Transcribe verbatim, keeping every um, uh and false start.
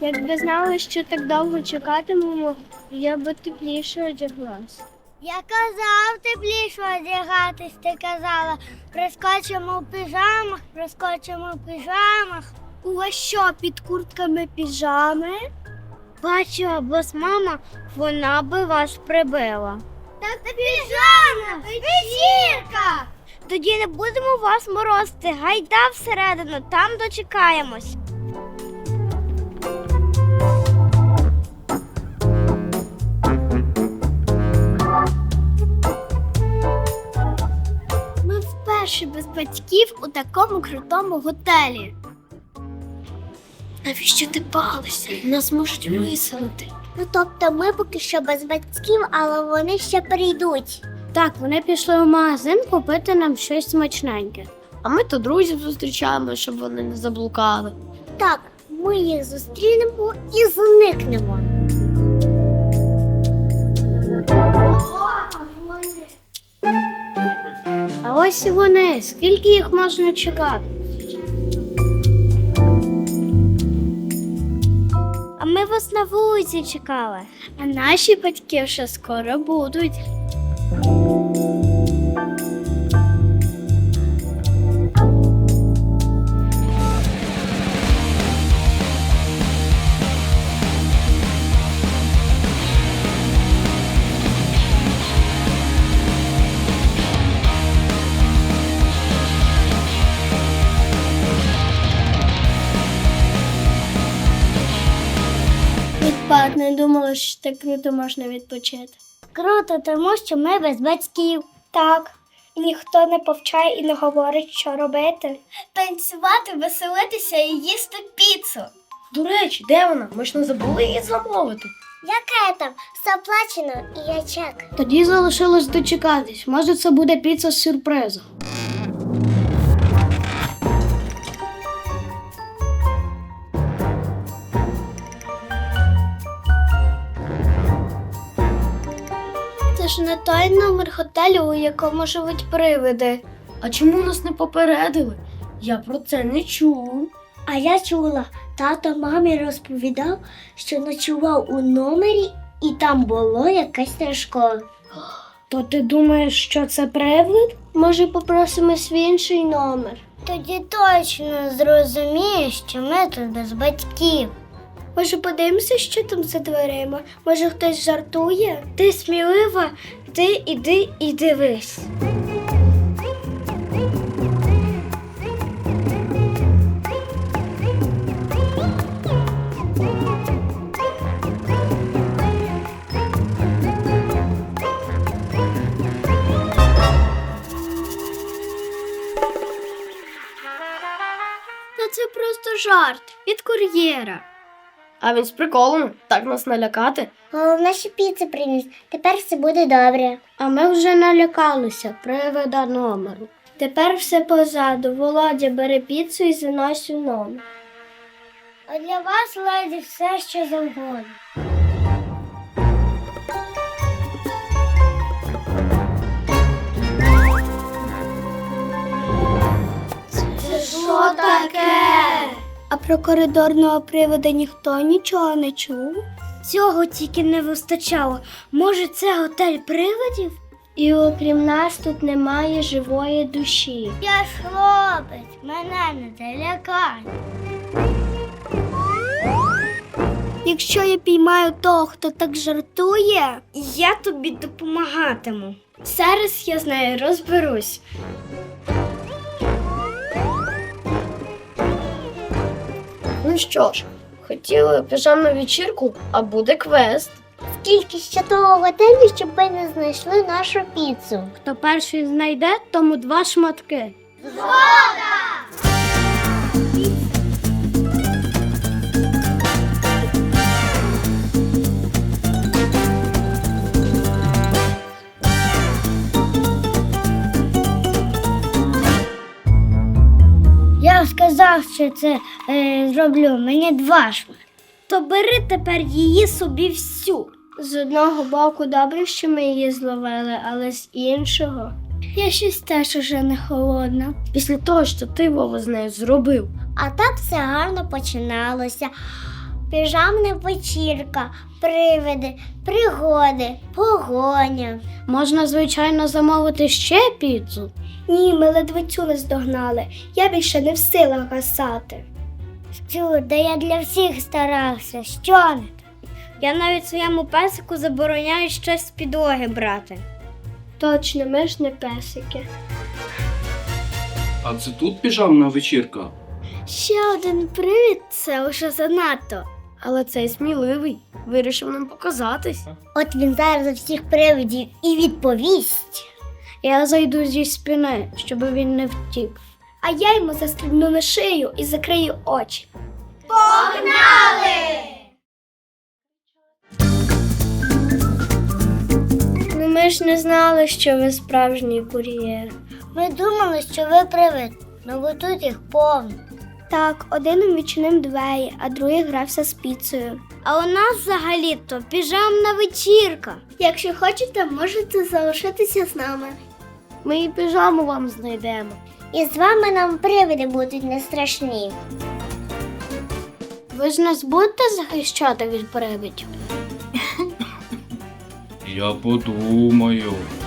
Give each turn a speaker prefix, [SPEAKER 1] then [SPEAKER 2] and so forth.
[SPEAKER 1] Якби знала, що так довго чекатимемо, я би тепліше одяглась.
[SPEAKER 2] Я казав тепліше одягатись, ти казала. Прискочимо в піжамах, прискочимо в піжамах.
[SPEAKER 1] У вас що, під куртками піжами?
[SPEAKER 2] Бачила б вас мама, вона би вас прибила. Так це піжама, вечірка! Тоді не будемо вас морозити, гайда всередину, там дочекаємось.
[SPEAKER 1] Ми вперше без батьків у такому крутому готелі. Навіщо ти палися? Нас можуть виселити.
[SPEAKER 2] Ну тобто ми поки що без батьків, але вони ще прийдуть.
[SPEAKER 1] Так, вони пішли в магазин купити нам щось смачненьке. А ми то друзів зустрічаємо, щоб вони не заблукали.
[SPEAKER 2] Так, ми їх зустрінемо і зникнемо.
[SPEAKER 1] А ось і вони. Скільки їх можна чекати?
[SPEAKER 2] А ми вас на вулиці чекали.
[SPEAKER 1] А наші батьки вже скоро будуть. Відпад, не думала, що так круто можна відпочити.
[SPEAKER 2] Круто, тому що ми без батьків.
[SPEAKER 1] Так, і ніхто не повчає і не говорить, що робити. Танцювати, веселитися і їсти піцу. До речі, де вона? Ми ж не забули її замовити.
[SPEAKER 2] Яке там? Все оплачено і я чек.
[SPEAKER 1] Тоді залишилось дочекатись. Може, це буде піца з сюрпризом. Це ж не той номер готелю, у якому живуть привиди. А чому нас не попередили? Я про це не чув.
[SPEAKER 2] А я чула, тато мамі розповідав, що ночував у номері і там було якесь страшко.
[SPEAKER 1] То ти думаєш, що це привид? Може, попросимось в інший номер?
[SPEAKER 2] Тоді точно зрозумієш, що ми тут без батьків.
[SPEAKER 1] Може, подивимося, що там за дверима? Може, хтось жартує? Ти смілива, ти іди і дивись. Та це просто жарт від кур'єра. А він з приколом, так нас налякати.
[SPEAKER 2] Головне, що піцу приніс. Тепер все буде добре.
[SPEAKER 1] А ми вже налякалися привида номеру. Тепер все позаду. Володя, бери піцу і занось у номер.
[SPEAKER 2] А для вас, леді, все, що завгодно.
[SPEAKER 1] Це що таке? А про коридорного привода ніхто нічого не чув?
[SPEAKER 2] Цього тільки не вистачало. Може, це готель привидів?
[SPEAKER 1] І окрім нас тут немає живої душі.
[SPEAKER 2] Я ж хлопець, мене не залякай.
[SPEAKER 1] Якщо я піймаю того, хто так жартує,
[SPEAKER 2] Я тобі допомагатиму.
[SPEAKER 1] зараз я з нею розберусь. Ну що ж, хотіли піжамну вечірку, а буде квест.
[SPEAKER 2] Скільки ще того готелю, щоб ви не знайшли нашу піцу?
[SPEAKER 1] Хто перший знайде, тому два шматки.
[SPEAKER 2] Я сказав, що це е, зроблю. Мені два шматки. То бери тепер її собі всю.
[SPEAKER 1] З одного боку добре, що ми її зловили, але з іншого я щось теж уже не холодна. Після того, що ти, Вова, з нею зробив.
[SPEAKER 2] А так все гарно починалося. Піжамна вечірка, привиди, пригоди, погоня. Можна, звичайно, замовити ще піцу.
[SPEAKER 1] Ні, ми ледве цю не здогнали. Я більше не в силах гасати.
[SPEAKER 2] Що, да я для всіх старався. Що не так? Я навіть своєму песику забороняю щось з підлоги брати.
[SPEAKER 1] Точно, ми ж не песики.
[SPEAKER 3] А це тут піжамна вечірка?
[SPEAKER 1] Ще один привід – це вже занадто. Але цей сміливий вирішив нам показатись.
[SPEAKER 2] От він зараз за всіх привидів і відповість.
[SPEAKER 1] Я зайду зі спини, щоб він не втік. А я йому застрибну на шию і закрию очі.
[SPEAKER 2] Погнали!
[SPEAKER 1] Ну ми ж не знали, що ви справжній кур'єр.
[SPEAKER 2] Ми думали, що ви привид, ну бо тут їх повно.
[SPEAKER 1] Так, один відчинив двері, а другий грався з піцею.
[SPEAKER 2] А у нас взагалі-то піжамна вечірка.
[SPEAKER 1] Якщо хочете, можете залишитися з нами. Ми і піжаму вам знайдемо.
[SPEAKER 2] І з вами нам привиди будуть не страшні.
[SPEAKER 1] Ви ж нас будете захищати від привидів?
[SPEAKER 3] Я подумаю.